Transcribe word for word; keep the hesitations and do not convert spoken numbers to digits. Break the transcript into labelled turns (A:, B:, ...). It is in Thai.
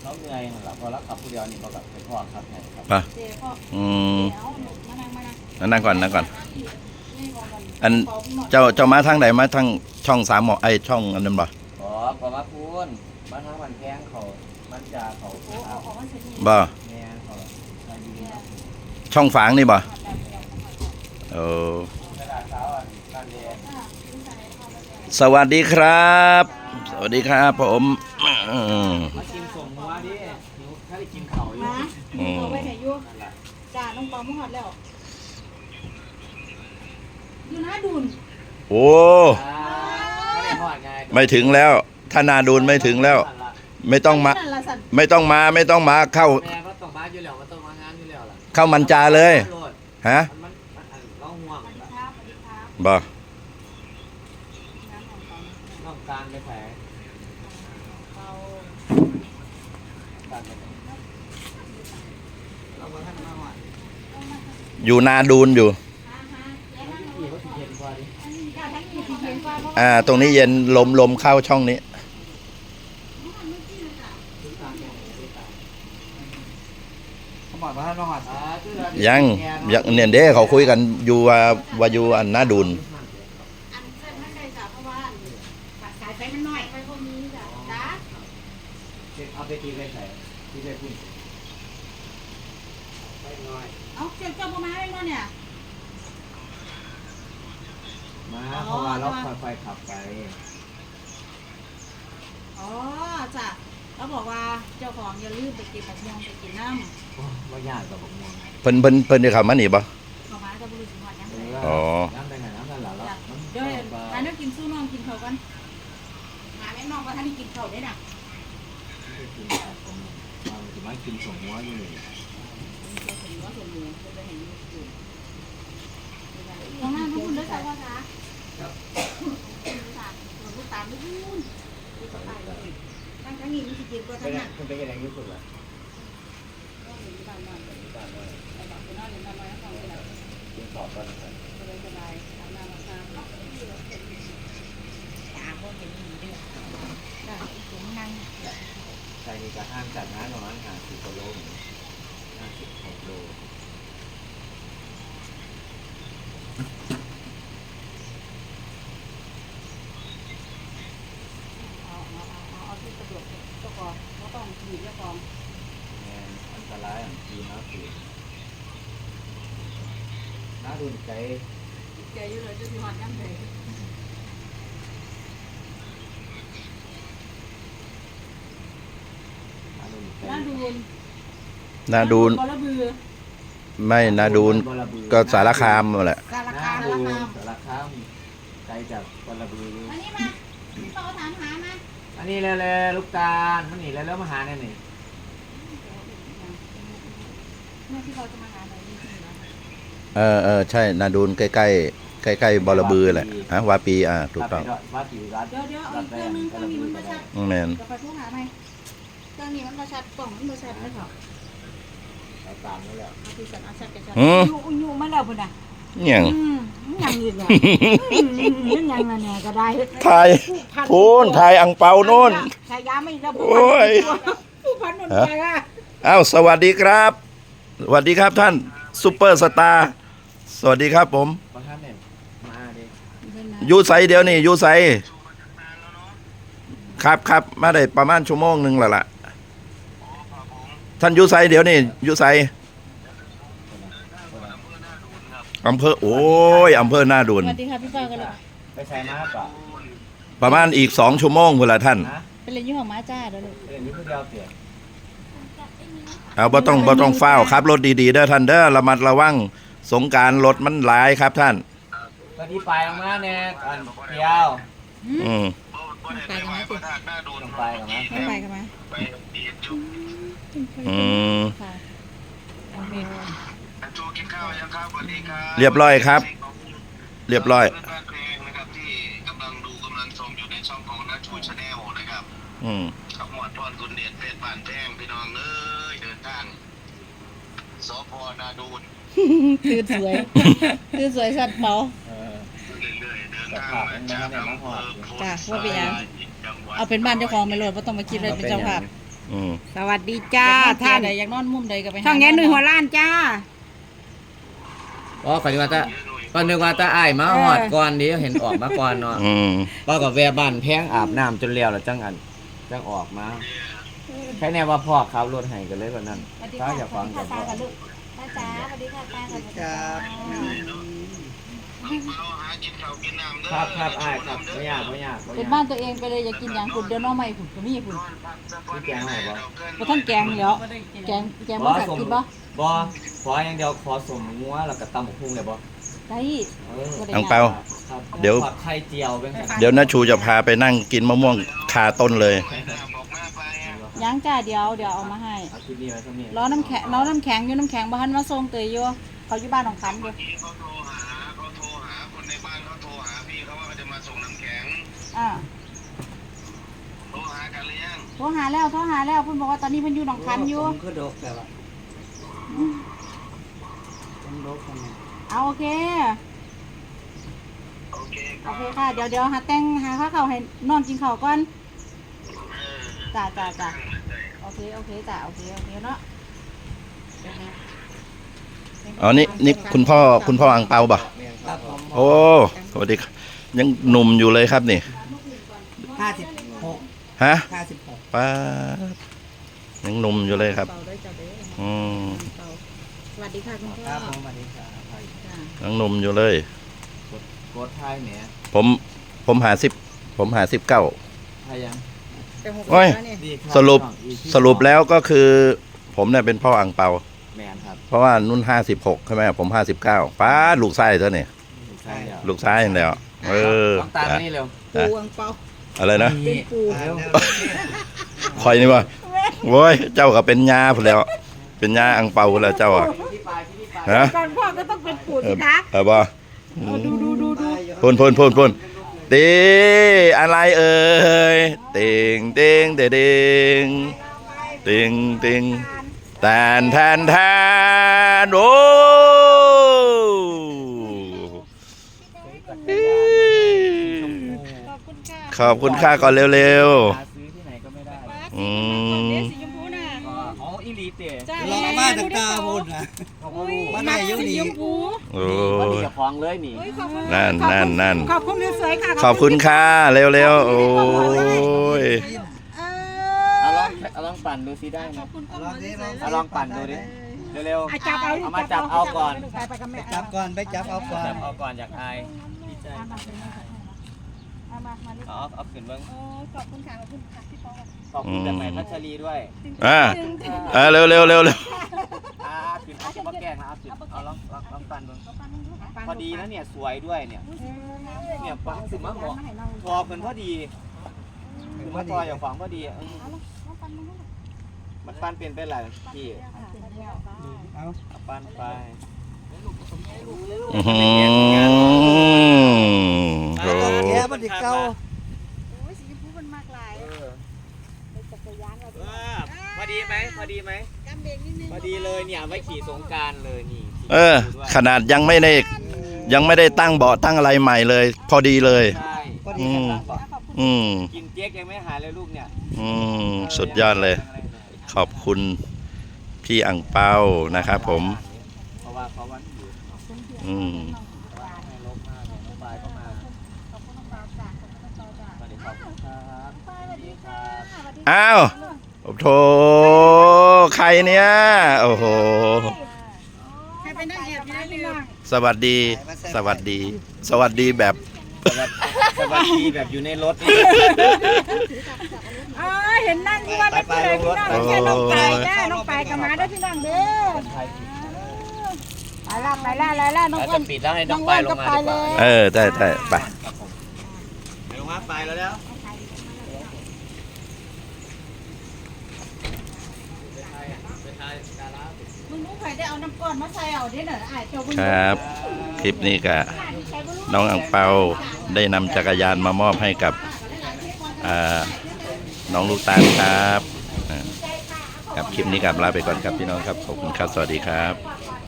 A: เขาเหนื่อยหรอพอรับขับผู้เดียวนี่ก็แบบเป็นพ่อครับไงครับ
B: ป่ะอืมนั่งก่อนนั่งก่อนอันเจ้าเจ้ามาทางไหนมาทางช่องสามหมอไอช่องอันนั้นบ่
A: อ๋อพอมาพูนมาทางวันแพงเขามันจะเขา
B: บ่
A: แม่เขา
B: ช่องฝางนี่บ่เออสวัสดีครับสวัสดีครับผม
A: มากินส่งหัวดิหิวถ้าได้กินเขาอยู่
C: มาเอาไปไหนอยู่จ่าน้องปอมหอดแล้วอยู่นะดุน
B: โอ้ไม่ถึงแล้วถ้านาดูนไม่ถึงแล้วไม่ต้องมาไม่ต้องมาไม่ต้องมาเข้าเข้ามันจาเลยฮะบ่อยู่นาดูนอยู่อ่าตรงนี้เย็นลมลมเข้าช่องนี้ยังยังเนี่ยเด้เขาคุยกันอยู่ว่าว่าอยู่อันนาดูน
A: เอาไปตีไปใส่ที่ไปพุ่นไปหน่อย
C: เอาเจ้าเจ้าพ่อมาได้มั้งเนี่ย
A: มาเพราะว่าเราค่อยๆขับไป
C: อ๋อจ้ะเขาบอกว่าเจ้าของอย่าลืมไปกินผักม่วงไปกินน้ำ
A: ว่ายากกับผักม่วง
B: เพิ่นเพิ่นเพิ่นจะขับมาหนีป่ะ
C: เขามาจะบริสุทธิ์หมดยังไง
B: อ๋อ
A: น้ำได้ไงน้ำนั่นแหละแล้ว
C: เดี๋ยวอันนี้กินสู้น้องกินเขากันหาแม่น้องว่าท่านนี่กินเขาได้น่ะ
A: กินผักผมมาถึงมากินส่งหัวอยู่เลย
C: ตรงนั้นทุกคนได้ใส่ว่าจ้าครับลูกตาลลูกนู่นลูกตาลตั้งทั้งนี้มันจะกินก็ทั้งนั้น
A: คุณเป็นยังไงยุ่งสุดละกินสอบก็ได้สบายทำงานมาทำ
C: ตาบ่เห็นดีด้วยจ้าผมนั่ง
A: ใช่นี่จะห้ามจัดงานประมาณห้าสิบกิโลห้าสิบหกโล
C: อยู่เจ้าของ
A: อันตรายอันทีนะคือน้าดูใจ
C: ใจอยู่เลยจะมีหอดน้ำเลยน้าดูน
B: นาดูนไม่นาดูนก็สารคามหมดแหละ
C: สารคาม
A: สารคามไกลจากบอระบือ
C: อันนี้มาต่อถามหามา
A: อันนี้เลยเลยลูกตาลมันนี่แล้วแล้วมาหาเนี่ยนี่
C: เมื่อที่เขาจะมาหาไหนนี่
B: เออเออใช่นาดูนใกล้ใกล้ใกล้ใกล้บอระบือแหละฮะวาปีอ่าถูกต้อง
A: วาปีรัด
C: เดี๋ยวเดี๋ยวอีกเครื่องนึงเครื่องนี้มันมาชัด
B: แมน
C: จะไปพูดหาไหมเครื่องนี้มันมาชัดกล่องมันมาชัดไม่ถอด
A: ตามนี่แหละ
C: ที่สันอาชัดแกชัดยูยูมาแล้วพุ่นน่ะ
B: ยัง
C: ยังอีกเนี่ยยังมาเนี่ยก็ได้
B: ไทยพูนไทยอังเปาโน่น
C: ชายาไม่ระบุโอ้ยผู้พันนนท์ไปอ่ะ
B: อ้าวสวัสดีครับสวัสดีครับท่านซุปเปอร์สตาร์สวัสดีครับผมยูไซเดียวนี่ยูไซครับครับมาได้ประมาณชั่วโมงหนึ่งแล้วล่ะท่านยูไซเดี๋ยวนี่ยูไซอำเภอโอ้ยอำเภอหน้าดุน
C: สวัสดีค่ะพี่ฟ้ากันเลย
A: ไปใช้ม้าป่ะ
B: ประมาณอีกสองชั่วโมงเวลาท่าน
C: เป็นเรื่องของม้าจ้าเดี๋ยวเลย
A: เป็นเรื่องที่เดียวเสีย
B: เอาบ่ต้องบ่ต้องเฝ้าครับรถดีๆเด้อท่านเด้อระมัดระวังสงกรานต์รถมันหลายครับท่าน
A: ก็ที่ไปออกมาเนี่ยอันเดียว
B: อืม
C: ไปกันไหมสิ
A: ต้องไปกันไหม
C: ไม่ไปกันไหม
B: อืมเรียบร้อยครับเรียบร้อย
D: ที่กำลังดูกำลังชมอยู่ในช่องของนัทชูชาแนลนะครับ
B: อืม
D: ขมวดพรคุณเดชเพชรบ้านแพงพี่น้องเอ้ยเดินทางสพนาดูน
C: คือสวยคือสวยสัตว์เบา
D: เรื่อยๆเดินทางมาจากอำเภอโพธิ์
C: จ้ะว่าเป็นยังเอาเป็นบ้านเจ้าของไม่รอดเพราะต้องมาคิดเลยเป็นเจ้าภาพ
B: อืม
C: สวัสดีจ้าท่าน
E: ใดอยากนอนมุมใดก็ไปหา
C: ช่องแง่หนุ่ยหัวล้านจ้า
F: อ๋อขอนึกว่าตาก็นึกว่าตาอ้ายมาหอดก่อนดิเห็นออกมาก่อนเนาะ
B: อืม
A: ป้ากับแวะบ้านแพงอาบน้ำจนเลี้ยวแล้วจังอันจังออกมาแค่แน่ว่าพ่อขับรถให้กันเลยกว่านั้นถ้าอยากฟังกับพ่อ
C: ตาจ๋าสวัสดีค่ะตาสวัสดีค่ะ
D: เอาหากินข้าวกินน้ำเด้อ
A: ครับครับอ้ายครับไม่ยากไม่ยากไม่
E: เป็น
A: ยาก
E: บ้านตัวเองไปเลยอยากกินอย่างคุณเดี๋ยวน้องใหม่คุณก็มีคุณ
A: พี่แกงให้บ่
E: บ่ท่านแกงเหลียวแกงแกงบ่สักกินบ่
A: บ่ขออย่างเดียวขอสมงัวแล้วก็ตำบักหุ่งเลยบ่
E: ได้
A: เออ
E: บ่ได้
B: อังเปา
A: ครับ
B: เดี๋ยว
A: ทอไข่เจียวเป็นไง
B: เดี๋ยวน้าชูจะพาไปนั่งกินมะม่วงคาต้นเลย
E: ยังจ้าเดี๋ยวเดี๋ยวเอามาให้
A: เอาคลิปนี้ไว้สักนิด
E: รอน้ำแข็งรอน้ำแข็งอยู่น้ำแข็งบ่ทันมาส่งเตยอยู่เขาอยู่บ้านของคันอยู่
D: เขาโทรหาเขาโทรหาคนในบ้านเขาโทรหาพี่เขาว่าเขาจะมาส่งน้ำแข็ง
E: อ่า
D: โทรหากันหรือยัง
E: โทรหาแล้วโทรหาแล้วเพิ่นบอกว่าตอนนี้เพิ่นอยู่หนองคันอยู่
A: ผมคือดกแต่ว่าผมดกทำไม
E: เอาโอเค
D: โอเคค
E: โอ
D: รับ
E: เคค่ะเดี๋ยวเดี๋ยวหาแต่งหาข้าวเขาให้น้องกินข้าวก่อน
D: เออ
E: จ้าจ้าจ้าโอเคโอเคจ้าโอเคโอเคเนาะ
B: อ๋อ นี่นี่คุณพ่อคุณพ่ออังเปาป่ะ
A: ครับผม
B: โอ้ สวัสดีครับยังหนุ่มอยู่เลยครับนี่
A: ห้าสิบหก
B: ฮะ
A: ห้าสิบหก
B: ป้าดยังหนุ่มอยู่เลยครับ
E: เป่าด้วยจ้าเด้อ
B: อืม
E: เป่าสวัสดีค่ะคุณพ่อ
A: ครับผมสวัสดีครับ
E: จ้า
B: ยังหนุ่มอยู่เลย
A: โคตรไทยเนี่ย
B: ผมผมหาสิบผมหาสิบเก้า
A: ไทยยัง
E: แต่หก
B: โอ้ย
E: แล้วนี่
A: ดีคบ
B: สรุป
A: อีกที่
B: สรุปแล้วก็คือ ผมเนี่ยเป็นพ่ออังเปา
A: แมนครับ
B: เพราะว่านุ่นห้าสิบหกใช่ไหมผมห้าสิบเก้าป้าดลูกไส้เท่านี่
A: ใช่แล้ว
B: ลูกซ้ายอย่างเดียวเออ
A: ต้องตามมานี่เร็ว
E: ปูอังเปา
B: อะไรนะ
A: เป็นปู
B: คอยนี่ว่าโว้ยเจ้าก็เป็นยาพุ่นแล้ว เป็นยาอังเปาพุ่นแล้วเจ้าอ่ะ
A: ที่ปลายที่ปลาย
B: ฮะ
E: ก่อนพ่อก็ต้องเป็นปู
B: เอ
E: สิ
B: อ
E: คะ
B: เออบ่
E: ดูดูดูดู
B: พ่นพ่นพ่นพ่นตีอะไรเอ่ยติงติงเดดิงติงติงแทนแทนแทนโอ้ขอบคุณค่าก่อนเร็ว
A: หาซื้อที่ไหนก็ไม่ได้
B: ๆอืม
E: สีชมพูน่ะ
A: อ๋ออีลีเตะ
E: จ้า
G: เราเอามาจากตาพุ่นนะ
A: เขาก็รู้
G: มาได้อยุ่
E: สี
G: นี่
E: ชมพู
B: โอ้
A: ว่าดี
B: ย
A: จะคล้องเลยนี่
B: นั่นนั่นนั่น
E: ขอบคุณสวยๆค่ะ
B: ขอบคุณค่าเร็วๆโอ้ย
E: เอ
A: เอาล
E: อ
A: องเอาลองปั่นดูซิได้ไหม
G: ลองดิลอง
A: เอาลองปั่นดูดิเร็ว
E: อาจับเอา
A: เอามาจับเอาก่อน
E: ไปไปกับแม่
G: จับก่อนไปจับเอาก่อ
A: ๆ
G: น
A: จับเอาก่อนอยากอายดีใจ
E: เอามามานี่
A: เอาเอาขึ้นเบิ้ง
E: โอ้ขอบคุณค่ะขอบคุณค่ะพี่ปอ
A: ขอบคุณจากไหนพัชรีด้วย
B: อ่าอ่าเร็วเร็วเร็วเร็ว
A: อ่าขึ้นเอาจะมาแกล้งนะเอาขึ้นเอาลองลองลองปั่นดูพอดีนะเนี่ยสวยด้วยเนี่ยเนี่ยปังสิมาเหมาะพอเพิ่นพอดีคือมาพออย่างฝังพอดีเออมันปั่นเป็นเป็นไรพี่
G: เอา
A: เอาปั่นไป
B: อื้อหือ
G: เอาต้องแก้มันดิเก่า
E: โอ้ยสีชมพูมันมากหลาย
A: เออ
E: จักรยานเรา
A: เออพอดีไหมพอดีไหม
E: กำเบรกนิดนึง
A: พอดีเลยเนี่ยไว้ขี่สงกรารเลยนี่
B: เออ ขนาดยังไม่ได้ยังไม่ได้ตั้งเบาะตั้งอะไรใหม่เลย พอดีเลย
A: ใช่
G: พอดี
B: อืม
G: กันตั้งบ่
B: อืม
A: กินเจ๊กยังไม่หายเลยลูกเนี่ย
B: อืมสุดยอดเลย ขอบคุณพี่อังเปานะครับผม
A: เพราะว่าเขาวันอยู่
B: อืม
A: ให้ลบมากน้องปลายก็มาสวัสดีครับครับสวัสดีครับ
B: อ้าวโอ้โถใครเนี่ย โอ้โห
E: ใครเป็นนักแอบอยู่ในเรื่อง
B: สวัสดี สวัสดี สวัสดีแบบ
A: สวัสดีแบบอยู่ในรถนี่
E: อ๋อเห็นนั่งอยู่ว่าเป็นผู้ใดพี่น้องไม่ใช่น้องไปจ้าน้องไปกับมาด้วยพี่น้องเด้อไปละไปละไปละน้อง
A: แล้ว
E: อ้ว
A: จะ
E: น
A: ปิดแล้วให้น้องปลายลงมาดีกว่า
B: เออได้ได้ไป
A: ลงมาปลายแล้วแล้ว
E: มึงรู้ใครได้เอาน้ำก้อนมาใส่เอาเด้อเนอะไอ้เจ้าบุญ
B: ครับ คลิปนี้ก็น้องอังเปาได้นำจักรยานมามอบให้กับอ่าน้องลูกตาลครับอ่าครับคลิปนี้กับลาไปก่อนครับพี่น้องครับขอบคุณครับสวัสดีครับ